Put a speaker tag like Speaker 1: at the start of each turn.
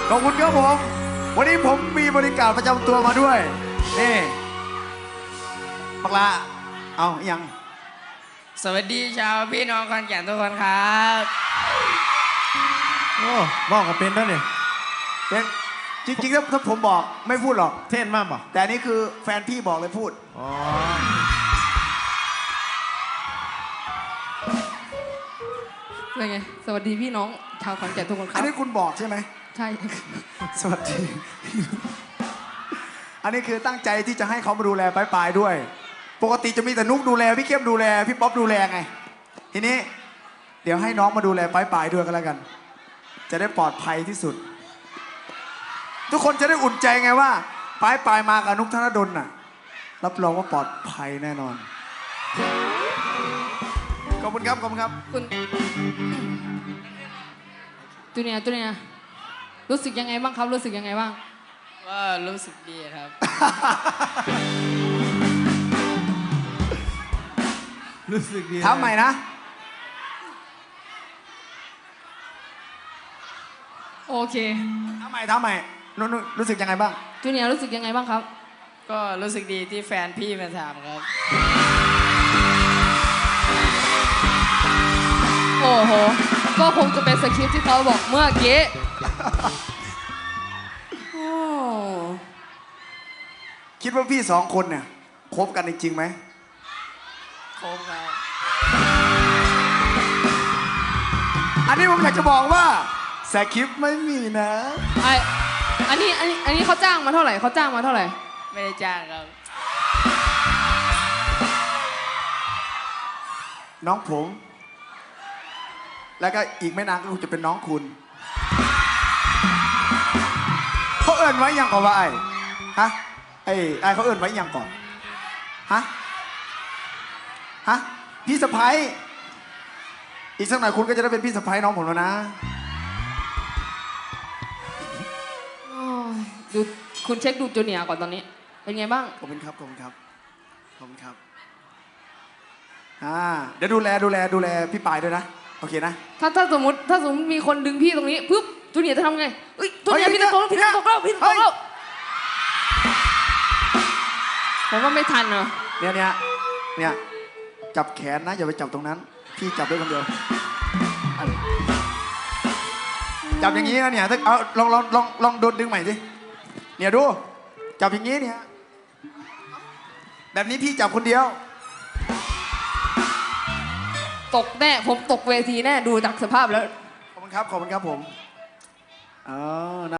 Speaker 1: ขอบคุณครับผมวันนี้ผมมีบริการประจำตัวมาด้วยนี่ปักละเอายัง
Speaker 2: สวัสดีชาวพี่น้องขอนแก่นทุกคนครับ
Speaker 3: โอ้บอกกับเป็นด้วยเนี่ย
Speaker 1: เป็นจริงๆถ้าผมบอกไม่พูดหรอก
Speaker 3: เท่นมากป่ะ
Speaker 1: แต่นี่คือแฟนพี่บอกเลยพูด
Speaker 3: อ๋อ
Speaker 4: เป็นไงสวัสดีพี่น้องชาวขอนแก่นทุกคนครั
Speaker 1: อั
Speaker 4: บ
Speaker 1: นนี้คุณบอกใช่ไหม
Speaker 4: ใช่
Speaker 1: สวัสดีอันนี้คือตั้งใจที่จะให้เขามาดูแลปลายๆด้วยปกติจะมีแต่นุกดูแลพี่เข้มดูแลพี่ป๊อปดูแลไงทีนี้เดี๋ยวให้น้องมาดูแลปลายๆด้วยก็แล้วกันจะได้ปลอดภัยที่สุดทุกคนจะได้อุ่นใจไงว่าปลายๆมากับนุกธนดลน่ะรับรองว่าปลอดภัยแน่นอนขอบคุณครับขอบคุณครับ
Speaker 4: คุณจูเนียร์รู้สึกยังไงบ้างครับรู้สึกยังไงบ้าง
Speaker 2: ก็รู้สึกดีครับ
Speaker 3: รู้สึกดี
Speaker 1: ถามใหม่นะ
Speaker 4: โอเค
Speaker 1: ถามใหม่นุ๊กรู้สึกยังไงบ้าง
Speaker 4: จูเนียร์รู้สึกยังไงบ้างครับ
Speaker 2: ก็รู้สึกดีที่แฟนพี่มาถามครับ
Speaker 4: โอ้โหก็คงจะเป็นสคริปต์ที่เขาบอกเมื่อกี้โอ้
Speaker 1: คิดว่าพี่สองคนเนี่ยคบกันจริงๆไหม
Speaker 2: ครบครับ
Speaker 1: อันนี้ผมอยากจะบอกว่าสคริปต์ไม่มีนะ
Speaker 4: อันนี้เขาจ้างมาเท่าไหร่เขาจ้างมาเท่าไหร่
Speaker 2: ไม่ได้จ้างครับ
Speaker 1: น้องผมแล้วก็อีกไม่นานก็คงจะเป็นน้องคุณเขาเอิ้นไว้ยังก่อนว่าไอ้ฮะไอ้เขาเอิ้นไว้ยังก่อนฮะพี่สะพ้ายอีกสักหน่อยคุณก็จะได้เป็นพี่สะพ้ายน้องผมแล้วนะ
Speaker 4: ดูคุณเช็คดูจูเนียร์ก่อนตอนนี้เป็นไงบ้าง
Speaker 1: ขอบคุณครับเดี๋ยวดูแลพี่ปายด้วยนะโอเคนะ
Speaker 4: ถ้าสมมติมีคนดึงพี่ตรงนี้ปุ๊บจูเนียร์จะทำไงเอ้ยจูเนียร์พี่ตกแล้วผมว่าไม่ทันเหรอ
Speaker 1: เนี่ยจับแขนนะอย่าไปจับตรงนั้นพี่จับได้คนเดียวจับอย่างนี้นะเนี่ยเอาลองโดนดึงใหม่สิเนี่ยดูจับอย่างนี้เนี่ยแบบนี้พี่จับคนเดียว
Speaker 4: ตกแน่ผมตกเวทีแน่ดูจากสภาพแล้ว
Speaker 1: ขอบคุณครับผม